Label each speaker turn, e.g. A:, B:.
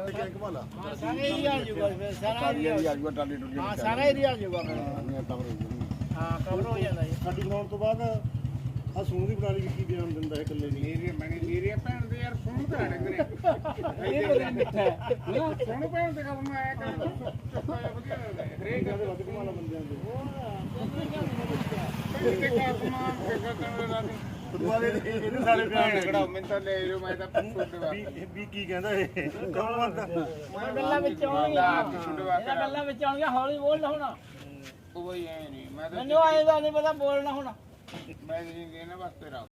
A: ਸਾਰੇ ਏਰੀਆ ਆ ਜਾਊਗਾ ਫਿਰ ਸਾਰਾ ਏਰੀਆ ਆ ਜਾਊਗਾ ਟਾਲੀ ਟੁੱਟੀ ਹਾਂ ਸਾਰਾ ਏਰੀਆ ਆ ਜਾਊਗਾ ਹਾਂ ਕਵਰ ਹੋ ਜਾਂਦਾ ਜੀ
B: ਸਾਡੀ ਬਣਾਉਣ ਤੋਂ ਬਾਅਦ ਆ ਸੂਣ ਦੀ ਬਣਾਲੀ ਕੀ ਬਿਆਨ ਦਿੰਦਾ ਹੈ ਇਕੱਲੇ ਨਹੀਂ
C: ਏਰੀਆ ਭੈਣ ਦੇ ਯਾਰ ਸੁਣ ਭੈਣ ਵੀਰੇ ਸੁਣ ਭੈਣ ਦੇ ਕੰਮ ਆਇਆ ਕਰ ਵਧੀਆ ਲੱਗਦਾ ਹਰੇਕ
B: ਦੇ ਵੱਧ ਕਮਾਲਾ ਬੰਦਿਆਂ ਦੇ
C: ਤੇ ਕਾਸਮਾਨ ਫਿਕਰ
B: ਦੁਆਰੇ ਇਹਦੇ ਸਾਰੇ ਬਿਆਨ
C: ਕਢਾਓ ਮੈਂ ਤਾਂ ਲੈ ਲਓ ਮੈਂ ਤਾਂ ਛੁੱਟਵਾ
B: ਵੀ ਕੀ ਕਹਿੰਦਾ ਇਹ ਕੌਣ
A: ਗੱਲਾਂ ਵਿੱਚ ਆਉਣਗੀਆਂ ਇਹਨਾਂ ਗੱਲਾਂ ਵਿੱਚ ਆਉਣਗੀਆਂ ਹੌਲੀ ਬੋਲ ਹੁਣ
C: ਉਹ ਹੀ ਐ ਨਹੀਂ ਮੈਂ ਤਾਂ
A: ਮੈਨੂੰ ਆਏ ਦਾ ਨਹੀਂ ਪਤਾ ਬੋਲਣਾ ਹੁਣ
C: ਮੈਂ ਨਹੀਂ ਇਹਨਾਂ ਵਾਸਤੇ ਰੱਖ